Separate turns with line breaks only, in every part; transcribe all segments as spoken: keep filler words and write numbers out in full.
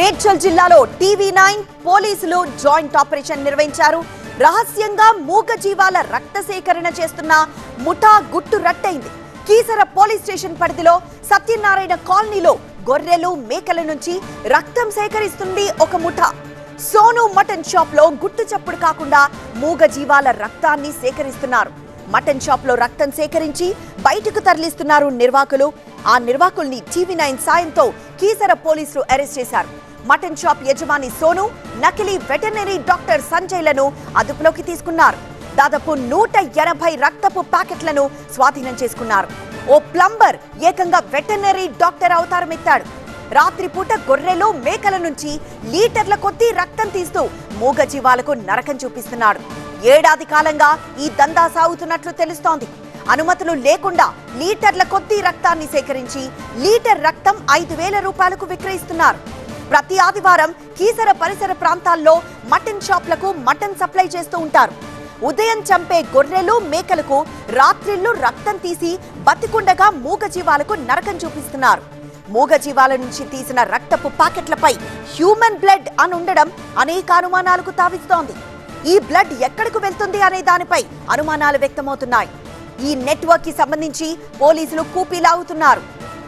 మేడ్చల్ జిల్లాలో TV nine పోలీసులు joint operation నిర్వహించారు. రహస్యంగా మూగ జీవాల రక్త సేకరణ చేస్తున్న ముఠా గుట్టు రట్టయింది. కీసర పోలీస్ స్టేషన్ పరిధిలో సత్యనారాయణ కాలనీలో గొర్రెలు మేకల నుంచి రక్తం సేకరిస్తుంది ఒక ముఠా. సోను మటన్ షాప్ లో గుట్టు చప్పుడు కాకుండా మూగ జీవాల రక్తాన్ని సేకరిస్తున్నారు. మటన్ షాప్ లో రక్తం సేకరించి బయటకు తరలిస్తున్నారు నిర్వాహకులు. ఆ నిర్వాహకుల్ని టీవీ నైన్ సాయంతో కీసర పోలీసులు అరెస్ట్ చేశారు. మటన్ షాప్ యజమాని సోను, నకిలీ వెటర్నరీ డాక్టర్ సంజయ్లను అదుపులోకి తీసుకున్నారు. దాదాపు నూట ఎనభై రక్తపు ప్యాకెట్లను స్వాధీనం చేసుకున్నారు. ఓ ప్లంబర్ ఏకంగా వెటర్నరీ డాక్టర్ అవతారం ఎత్తాడు. రాత్రిపూట గొర్రెలు మేకల నుంచి లీటర్ల కొద్దీ రక్తం తీస్తూ మూగ జీవాలకు నరకం చూపిస్తున్నాడు. ఏడాది కాలంగా ఈ దందా సాగుతున్నట్లు తెలుస్తోంది. అనుమతులు లేకుండా లీటర్ల కొద్దీ రక్తాన్ని సేకరించి లీటర్ రక్తం ఐదు వేల రూపాయలకు విక్రయిస్తున్నారు. ప్రతి ఆదివారం కీసర పరిసర ప్రాంతాల్లో మటన్ షాప్లకు మటన్ సప్లై చేస్తూ ఉంటారు. ఉదయం చంపే గొర్రెలు మేకలకు రాత్రిళ్లు రక్తం తీసి బతికుండగా మూగ జీవాలకు నరకం చూపిస్తున్నారు. మూగ జీవాల నుంచి తీసిన రక్తపు ప్యాకెట్లపై హ్యూమన్ బ్లడ్ అని ఉండడం అనేక అనుమానాలకు తావిస్తోంది. ఈ బ్లడ్ ఎక్కడికి వెళ్తుంది అనే దానిపై అనుమానాలు వ్యక్తమవుతున్నాయి. ఈ నెట్వర్క్ కి సంబంధించి పోలీసులు కూపీలాగుతున్నారు.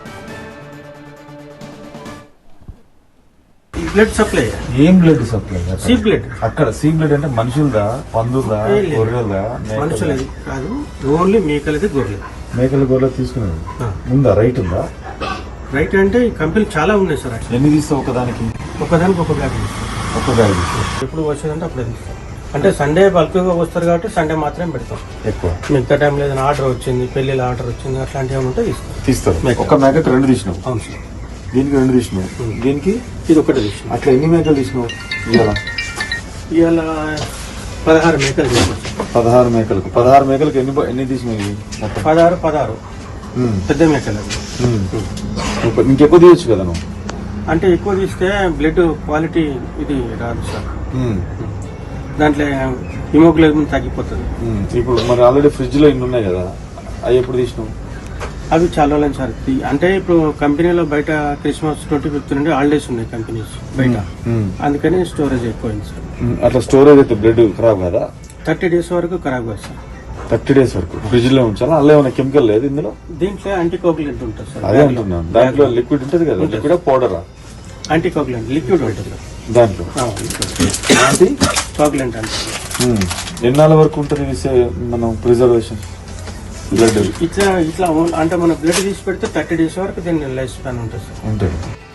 బ్లడ్ సప్లై
ఏం బ్లడ్ సప్లై?
C blood.
అక్కడ సీ బ్లడ్ అంటే మనుషులదా, పందులదా, గొర్రెలదా?
మనుషులది కాదు, ఓన్లీ మేకలది, గొర్రెలు.
మేకల గొర్రెలు తీసుకునేది ఉందా? రైట్ ఉందా?
రైట్ అంటే ఈ కంపెనీ చాలా ఉన్నాయి సార్.
ఎన్ని తీస్తావు ఒకదానికి?
ఒకదానికి ఒక బ్యాగ్ తీస్తాం.
ఒక బ్యాగ్ తీస్తాం.
ఎప్పుడు వచ్చేదంటే అప్పుడే తీస్తాం. అంటే సండే బల్క్గా వస్తారు కాబట్టి సండే మాత్రమే పెడతాం ఎక్కువ. మిగతా టైంలో ఏదైనా ఆర్డర్ వచ్చింది, పెళ్లిల ఆర్డర్ వచ్చింది, అట్లాంటివి ఏమైనా ఉంటే తీస్తాం.
తీస్తారు. ఒక మేకకి రెండు తీసినావు?
అవును సార్.
దీనికి రెండు తీసినావు, దీనికి
ఇది ఒకటే తీసినాం.
అట్లా ఎన్ని మేకలు తీసినావు ఇవాళ?
ఇవాళ పదహారు మేకలు తీసుకోవచ్చు.
పదహారు మేకలకు పదహారు మేకలకు ఎన్ని ఎన్ని తీసినాయి?
పదహారు పదహారు పెద్ద మేకలు.
ఇంకెక్కువ తీయచ్చు కదా నువ్వు?
అంటే ఎక్కువ తీస్తే బ్లడ్ క్వాలిటీ ఇది రాదు సార్. దాంట్లో హిమోగ్లోబిన్ తగ్గిపోతుంది.
ఇప్పుడు మరి ఆల్రెడీ ఫ్రిడ్జ్ లో ఇన్ని ఉన్నాయి కదా, అవి ఎప్పుడు తీసినావు?
అవి చాలా రోజులు సార్. అంటే ఇప్పుడు కంపెనీలో బయట క్రిస్మస్ ట్వంటీ ఫిఫ్త్ నుండి హాలిడేస్ ఉన్నాయి కంపెనీస్ బయట, అందుకని స్టోరేజ్ ఎక్కువైంది సార్. అట్లా
స్టోరేజ్ అయితే బ్లడ్ ఖరాబ్ కదా?
థర్టీ డేస్ వరకు ఖరాబ్ కాదు సార్.
థర్టీ డేస్ వరకు ఫ్రిడ్జ్ లో ఉంచాలా? అందులో ఏమైనా కెమికల్ లేదు ఇందులో?
దీంట్లో యాంటీకోగులెంట్ ఉంటుంది సార్.
అదే అంటున్నాను. దాంట్లో లిక్విడ్ ఉంటుంది కదా, లిక్విడ్ పౌడరా?
యాంటీకోగులెంట్ లిక్విడ్ ఉంటుంది
దాంట్లో.
యాంటీకోగులెంట్ అంటే
ఎన్నాళ్ళ వరకు ఉంటుంది మనం ప్రిజర్వేషన్ బ్లడ్?
ఇట్లా ఇట్లా అంటే మన బ్లడ్ తీసి పెడితే థర్టీ డేస్ వరకు దీని లైఫ్ స్పాన్ ఉంటుంది సార్.
ఉంటుంది.